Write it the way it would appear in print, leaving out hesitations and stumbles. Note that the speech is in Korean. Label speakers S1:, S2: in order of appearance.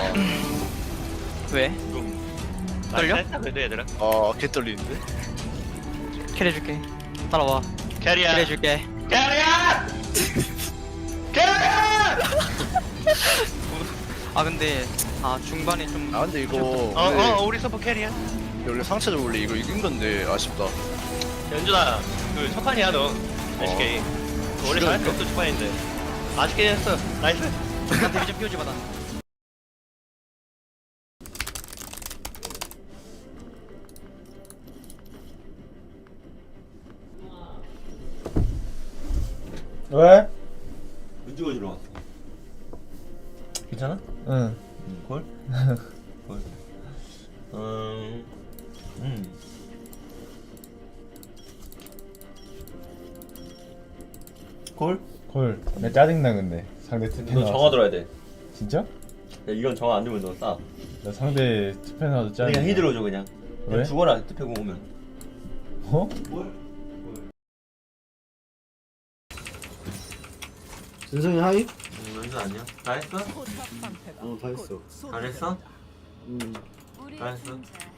S1: 왜? 떨려?
S2: 했다 그래도 얘들아.
S3: 개 떨리는데?
S1: 캐리해줄게. 따라와.
S2: 캐리야.
S1: 캐리해줄게.
S2: 캐리야. 캐리야.
S1: 아 근데 중반에 좀.
S3: 근데 이거 원래,
S2: 우리 서포 캐리야.
S3: 원래 상체도 원래 이거 이긴 건데 아쉽다.
S2: 연준아, 그 첫 판이야 너. SK. 원래 잘할 게 없어 첫 판인데. 아쉽게 했어. 나이스.
S1: 난 데뷔 좀 POG 받아.
S4: 왜?
S5: 은주가 주러 왔어. 괜찮아?
S4: 응.
S5: 콜? 콜. 콜?
S4: 콜. 내 짜증나 근데 상대 투패
S5: 너
S4: 나와서.
S5: 정화 들어야 돼.
S4: 진짜?
S5: 야, 이건 정화 안 주면 너 싸.
S4: 나 상대 투패 나와서 짜증나.
S5: 그냥 히드로 줘 그냥.
S4: 왜?
S5: 그냥 죽어라 투표공 오면.
S4: 어?
S6: 준성이 하이?
S5: 은주 아니야? 다 했어?
S6: 다 했어.
S5: 잘했어?
S6: 음.
S5: 잘했어?